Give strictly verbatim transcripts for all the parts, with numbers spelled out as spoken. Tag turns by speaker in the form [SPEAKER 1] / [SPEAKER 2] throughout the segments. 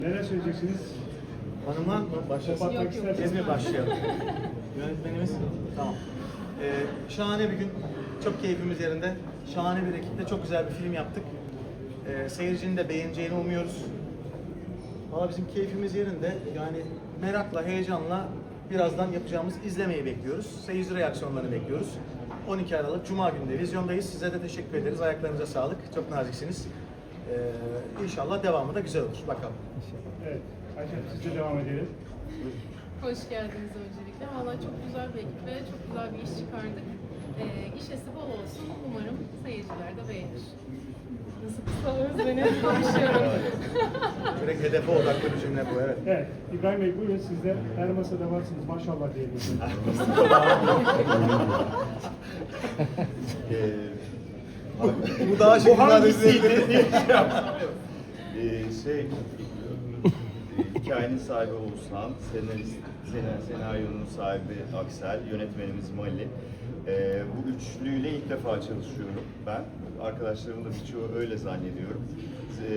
[SPEAKER 1] Neler söyleyeceksiniz?
[SPEAKER 2] Hanıma mı başlasın?
[SPEAKER 1] Yok, yok.
[SPEAKER 2] Biz mi başlayalım? Yönetmenimiz? Tamam. Ee, şahane bir gün. Çok keyfimiz yerinde. Şahane bir ekiple çok güzel bir film yaptık. Ee, seyircinin de beğeneceğini umuyoruz. Valla bizim keyfimiz yerinde. Yani merakla, heyecanla birazdan yapacağımız izlemeyi bekliyoruz. Seyirci reaksiyonlarını bekliyoruz. on iki Aralık Cuma günü de vizyondayız. Size de teşekkür ederiz. Ayaklarınıza sağlık. Çok naziksiniz. Ee, inşallah devamı da güzel olur. Bakalım.
[SPEAKER 1] Evet. Ayşe siz de devam edelim.
[SPEAKER 3] Hoş geldiniz öncelikle. Valla çok güzel bir ekip ve çok güzel bir iş çıkardık. Ee, gişesi bol olsun. Umarım seyirciler de beğenir. Nasıl kısa özleniyor konuşuyorum.
[SPEAKER 2] Direkt hedefe odaklı bir cümle bu, evet.
[SPEAKER 1] Evet. İbrahim Bey buyurun siz de her masada varsınız. Maşallah diyelim.
[SPEAKER 2] Bu daha şey
[SPEAKER 1] Bu hangisiydi?
[SPEAKER 4] Ee, şey, hikayenin sahibi Oğuzhan, senarist, sen- senaryonun sahibi Aksel, yönetmenimiz Mali. Ee, bu üçlüyle ilk defa çalışıyorum ben. Arkadaşlarımın da birçoğu öyle zannediyorum. Ee,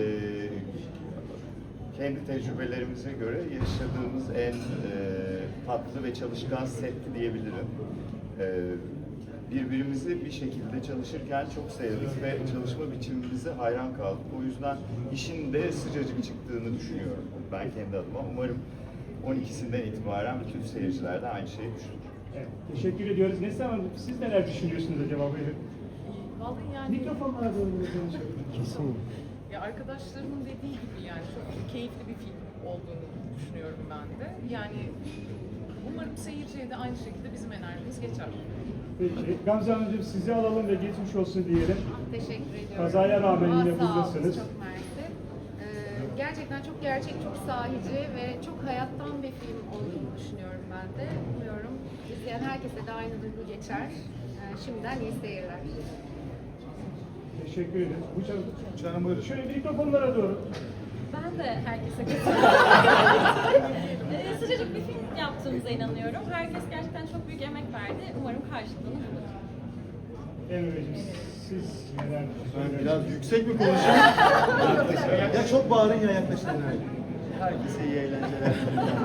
[SPEAKER 4] kendi tecrübelerimize göre yaşadığımız en e, tatlı ve çalışkan setti diyebilirim. Ee, birbirimizi bir şekilde çalışırken çok sevdik ve çalışma biçimimize hayran kaldık. O yüzden işin de sıcacık çıktığını düşünüyorum ben kendi adıma. Umarım on ikisinden itibaren bütün seyirciler de aynı şeyi düşünür.
[SPEAKER 1] Evet. Teşekkür ediyoruz. Neslihan Hanım siz neler düşünüyorsunuz acaba buyurun?
[SPEAKER 3] Vallahi yani
[SPEAKER 1] Mikrofonlara doğru konuşalım.
[SPEAKER 2] Kesin.
[SPEAKER 5] Ya arkadaşlarımın dediği gibi yani çok keyifli bir film olduğunu düşünüyorum ben de. Yani umarım seyirciye de aynı şekilde bizim enerjimiz geçer.
[SPEAKER 1] Peki. Gamze Hanımcığım sizi alalım ve geçmiş olsun diyelim.
[SPEAKER 6] Teşekkür ediyorum.
[SPEAKER 1] Kazaya rağmen
[SPEAKER 6] Aa,
[SPEAKER 1] yine
[SPEAKER 6] sağ olun,
[SPEAKER 1] buradasınız.
[SPEAKER 6] Çok mersi. Ee, gerçekten çok gerçek, çok sahici ve çok hayattan bir film olduğunu düşünüyorum ben de. Umuyorum izleyen herkese de aynı duygu geçer. Ee, şimdiden iyi seyirler.
[SPEAKER 1] Teşekkür ederiz. Bu canım.
[SPEAKER 2] Canım buyurun.
[SPEAKER 1] Şöyle mikrofonlara doğru.
[SPEAKER 7] Ben de herkese katılıyorum. Ee, Sıcacık bir film yaptığımıza inanıyorum. Herkes gerçekten çok büyük emek verdi. Umarım karşılığını bulur.
[SPEAKER 1] Emre Beyciğim siz neler
[SPEAKER 2] Ben
[SPEAKER 1] düşünüyorsunuz?
[SPEAKER 2] biraz yüksek mi konuşayım? Ya çok bağırın ya yaklaşın.
[SPEAKER 4] Herkese iyi eğlenceler.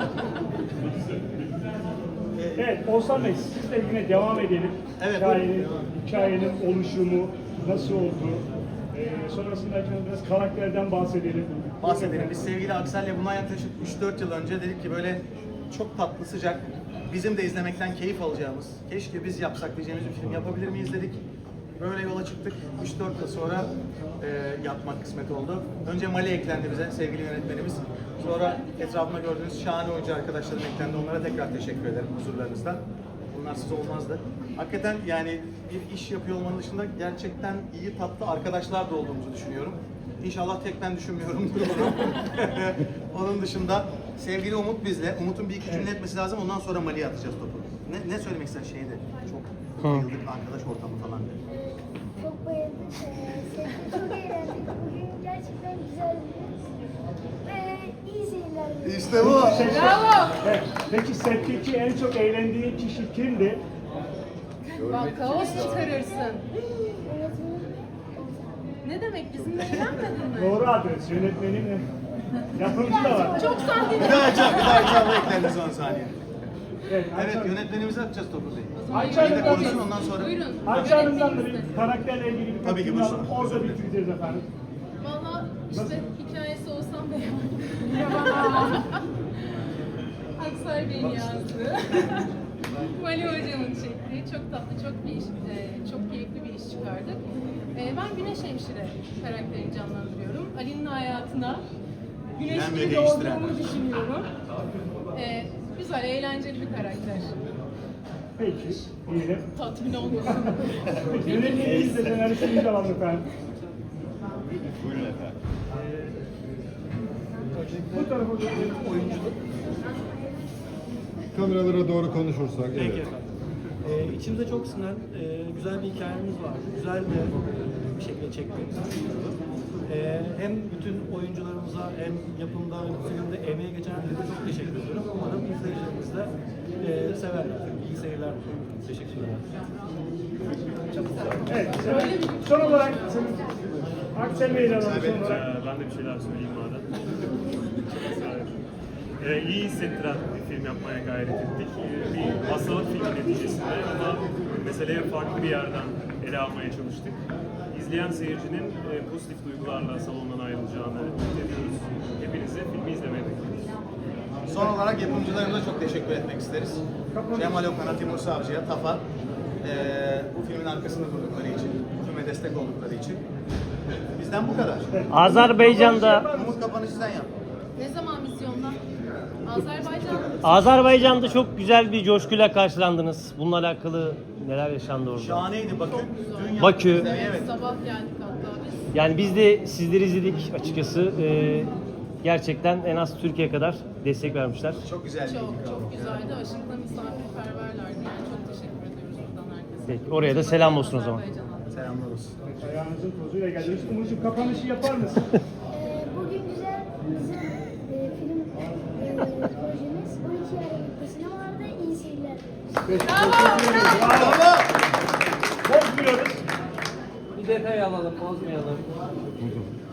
[SPEAKER 1] Evet, Oğuzhan Bey, siz de yine devam edelim.
[SPEAKER 2] Evet,
[SPEAKER 1] Hikayenin,
[SPEAKER 2] buyurun.
[SPEAKER 1] hikayenin oluşumu, nasıl oldu? Ee, sonrasında acaba biraz karakterden bahsedelim.
[SPEAKER 2] Bahsedelim. Biz sevgili Aksel'le bundan yaklaşık üç dört yıl önce dedik ki böyle çok tatlı, sıcak, bizim de izlemekten keyif alacağımız, keşke biz yapsak diyeceğimiz bir film yapabilir miyiz dedik. Böyle yola çıktık. üç dört yıl sonra e, yapmak kısmet oldu. Önce Mali eklendi bize, sevgili yönetmenimiz. Sonra etrafımda gördüğünüz şahane oyuncu arkadaşlarım eklendi. Onlara tekrar teşekkür ederim huzurlarınızdan. Bunlarsız olmazdı. Hakikaten yani bir iş yapıyor olmanın dışında gerçekten iyi tatlı arkadaşlar da olduğumuzu düşünüyorum. İnşallah tek ben düşünmüyorumdur bunu. Onun dışında sevgili Umut bizle. Umut'un bir iki cümle etmesi lazım. Ondan sonra Mali'ye atacağız topu. Ne, ne söylemek ister şeyde? Çok bayıldık arkadaş ortamı falan.
[SPEAKER 8] Çok bayıldık. Ee, sevdik, çok eğlendik. Bugün gerçekten güzeldi. Ve iyi seyirler.
[SPEAKER 2] İşte bu.
[SPEAKER 3] Bravo!
[SPEAKER 1] Evet, peki setteki en çok eğlendiğin kişi kimdi?
[SPEAKER 3] Bak kaos çıkarırsın.
[SPEAKER 8] Öğretmenim.
[SPEAKER 3] Ne demek bizimle eğlenmedin mi?
[SPEAKER 1] Doğru adres, yönetmenim. Yapımcı da var.
[SPEAKER 3] Çok sen
[SPEAKER 2] Bir daha açalım, bir daha açalım. Eklendi son saniye.
[SPEAKER 1] Evet,
[SPEAKER 2] Evet,
[SPEAKER 1] Ayça-
[SPEAKER 2] yönetmenimize atacağız topu Bey.
[SPEAKER 1] Ayça
[SPEAKER 2] Bir de
[SPEAKER 1] Hanım'dan
[SPEAKER 2] konuşsun
[SPEAKER 1] da-
[SPEAKER 2] ondan sonra.
[SPEAKER 3] Buyurun.
[SPEAKER 1] Ayça Hanım'dan da bir
[SPEAKER 3] Yönetmenimizde.
[SPEAKER 1] karakterle ilgili bir
[SPEAKER 2] Tabii ki,
[SPEAKER 1] fikrini
[SPEAKER 2] buyursun.
[SPEAKER 1] alıp orada
[SPEAKER 2] Özür dilerim.
[SPEAKER 1] bitireceğiz efendim.
[SPEAKER 3] Valla işte hikayesi olsam da Aksel Bey'in yazdığı. Mali Hocam'ın çektiği çok tatlı, çok bir iş, e, çok keyifli bir iş çıkardık. E, ben Güneş Hemşire karakterini canlandırıyorum. Ali'nin hayatına Güneş
[SPEAKER 2] Bilen ve
[SPEAKER 3] gibi
[SPEAKER 2] değiştiren.
[SPEAKER 3] doğduğumu düşünüyorum. E, güzel, eğlenceli bir karakter.
[SPEAKER 1] Peki, diyelim.
[SPEAKER 3] Tatmin olmasın.
[SPEAKER 1] Yönetmenimiz de senaristimiz alalım efendim.
[SPEAKER 4] Buyurun efendim.
[SPEAKER 1] Bu tarafa doğru oyunculuk.
[SPEAKER 9] Kameralara doğru konuşursak,
[SPEAKER 10] Peki
[SPEAKER 9] evet.
[SPEAKER 10] efendim. Ee, içimize çok sinen e, güzel bir hikayemiz var. Güzel de e, bir şekilde çektiğimizi düşünüyorum. E, hem bütün oyuncularımıza hem yapımda hem filmde emeği geçen herkese çok teşekkür ediyorum. Umarım izleyicilerimiz de e, severler. İyi seyirler diliyorum. Teşekkürler.
[SPEAKER 1] Evet, son olarak Aksel Bey'le alalım
[SPEAKER 2] Evet,
[SPEAKER 1] son olarak.
[SPEAKER 9] Ee, ben de bir şeyler söyleyeyim madem. Çok ısrar ettim. Ee, iyi hissettiren bir film yapmaya gayret ettik. Ee, bir hastalık filmi neticesinde ama meseleyi farklı bir yerden ele almaya çalıştık. İzleyen seyircinin e, pozitif duygularla salondan ayrılacağını ümit ediyoruz. Hepinizi filmi izlemeye bekliyoruz.
[SPEAKER 2] Son olarak yapımcılarımıza çok teşekkür etmek isteriz. Cemal Okan'a, Timur Savcı'ya, TAF'a eee, bu filmin arkasında durdukları için, filme destek oldukları için. Bizden bu kadar.
[SPEAKER 11] Azerbaycan'da
[SPEAKER 2] Umut kapanışı sen yap.
[SPEAKER 3] Ne zaman vizyonda? Azerbaycan.
[SPEAKER 11] Azerbaycan'da çok güzel bir coşkuyla karşılandınız. Bununla alakalı neler yaşandı orada?
[SPEAKER 2] Şahaneydi Bakü. Dün
[SPEAKER 11] Bakü.
[SPEAKER 2] yaptık.
[SPEAKER 3] Evet,
[SPEAKER 2] Evet.
[SPEAKER 3] sabah geldik hatta biz.
[SPEAKER 11] Yani biz de sizleri izledik açıkçası. Ee, gerçekten en az Türkiye kadar destek vermişler.
[SPEAKER 2] Çok güzeldi.
[SPEAKER 3] Çok çok güzeldi. Aşırı da misafirperverlerdi. Yani çok teşekkür ediyoruz buradan herkese.
[SPEAKER 11] Peki, oraya da selam olsun o zaman.
[SPEAKER 3] Azerbaycan'a.
[SPEAKER 2] Selamlar olsun.
[SPEAKER 1] Ayağınızın tozuyla geldiniz. Umut'cum kapanışı yapar mısın?
[SPEAKER 8] Ee, bugün güzel bizim e, film e, projemiz on iki Aralık'ta sinemalarda iyi seyirler.
[SPEAKER 2] Bravo.
[SPEAKER 1] Bozmuyoruz.
[SPEAKER 10] Bir detay alalım, bozmayalım.